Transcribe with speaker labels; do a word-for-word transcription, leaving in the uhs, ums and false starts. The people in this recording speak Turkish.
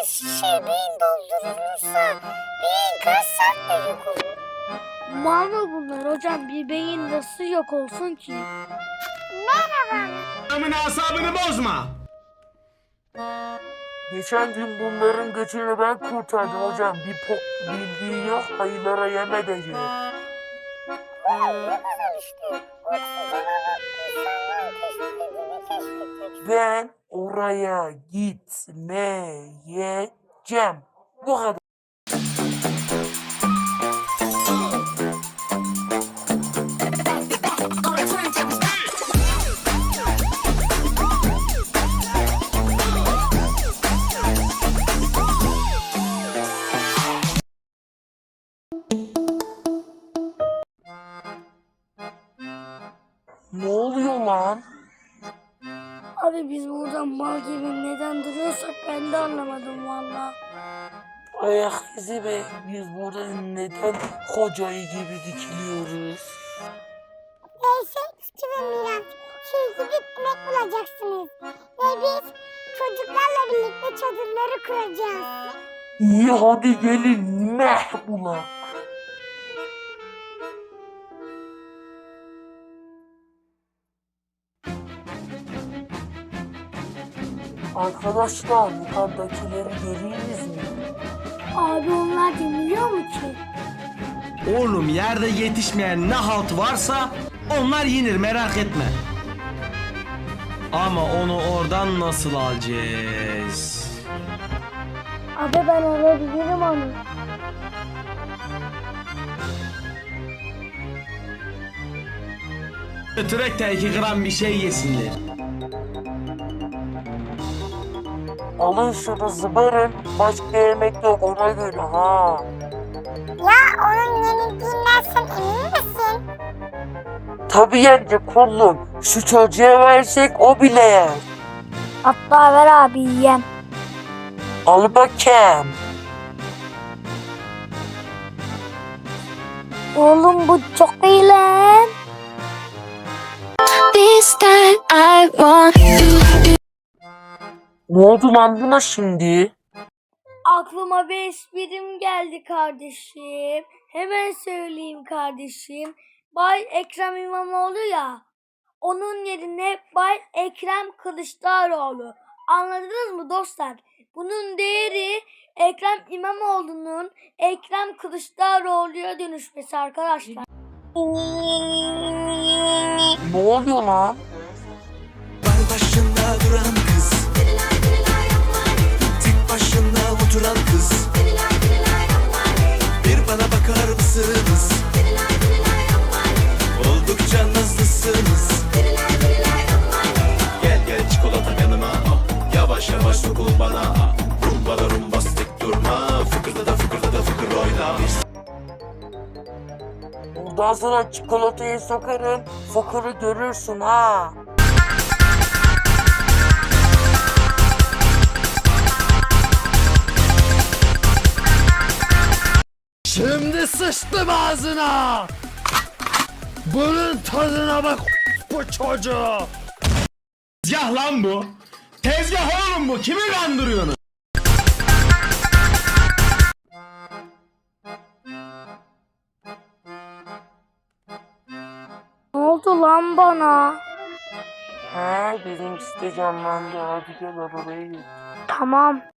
Speaker 1: beş şişe beyin doldurulursa beyin kaç saatte yok olur?
Speaker 2: Mal mı bunlar hocam? Bir beyin nasıl yok olsun ki?
Speaker 1: Merhaba.
Speaker 3: Adamın asabını bozma.
Speaker 4: Geçen gün bunların götünü ben kurtardım hocam. Bir pok bildiği yok, hayırlara yem edecek.
Speaker 1: Ulan ne güzel işte. Oksijen alıp insanların keşfettiğini keşfedecek.
Speaker 4: Ben oraya gitmeyeceğim. Bu kadar. Ne oluyor lan?
Speaker 2: Abi biz burada mal gibi neden duruyorsak ben de anlamadım valla.
Speaker 4: Ayak izi be. Biz burada neden kocayı gibi dikiliyoruz?
Speaker 1: Veysel, Üstü ve Miran, siz gidip yemek bulacaksınız. Ve biz çocuklarla birlikte çadırları kuracağız.
Speaker 4: İyi hadi gelin meh bulak. Arkadaşlar yukarıdakileri görüyorsunuz mu?
Speaker 2: Abi onlar dinliyor mu ki?
Speaker 3: Oğlum yerde yetişmeyen ne halt varsa onlar yenir, merak etme. Ama onu oradan nasıl alacağız?
Speaker 2: Abi ben alabilirim onu.
Speaker 3: Götürek de iki gram bir şey yesinler.
Speaker 4: Alın şunu zıbarın. Başka yemek yok ona göre ha.
Speaker 1: Ya onun yenildiğinden sen emin misin?
Speaker 4: Tabii yenge kullum. Şu çocuğa versek o bile yer.
Speaker 2: Hatta ver abi yiyem.
Speaker 4: Al bakayım.
Speaker 2: Oğlum bu çok iyi lan.
Speaker 5: This time I want you.
Speaker 4: Ne oldu lan buna şimdi?
Speaker 2: Aklıma bir esprim geldi kardeşim. Hemen söyleyeyim kardeşim. Bay Ekrem İmamoğlu ya. Onun yerine Bay Ekrem Kılıçdaroğlu. Anladınız mı dostlar? Bunun değeri Ekrem İmamoğlu'nun Ekrem Kılıçdaroğlu'ya dönüşmesi arkadaşlar.
Speaker 4: Ne oluyor lan?
Speaker 6: Var başında duran kız, tek başına oturan kız. Bir bana bakar mısınız? Oldukça nazlısınız. Gel gel çikolata yanıma, yavaş yavaş sokul bana. Rumba da rumbastik durma, fıkırda da fıkırda da fıkır oyna.
Speaker 4: Bundan sonra çikolatayı sokarım. Fıkırı görürsün ha.
Speaker 3: Şimdi sıçtım ağzına. Bunun tadına bak bu çocuğu. Tezgah lan bu. Tezgah oğlum bu. Kimi kandırıyorsun?
Speaker 2: Ne oldu lan bana?
Speaker 4: Ha bizim site canlandı. Hadi gel arabaya git.
Speaker 2: Tamam.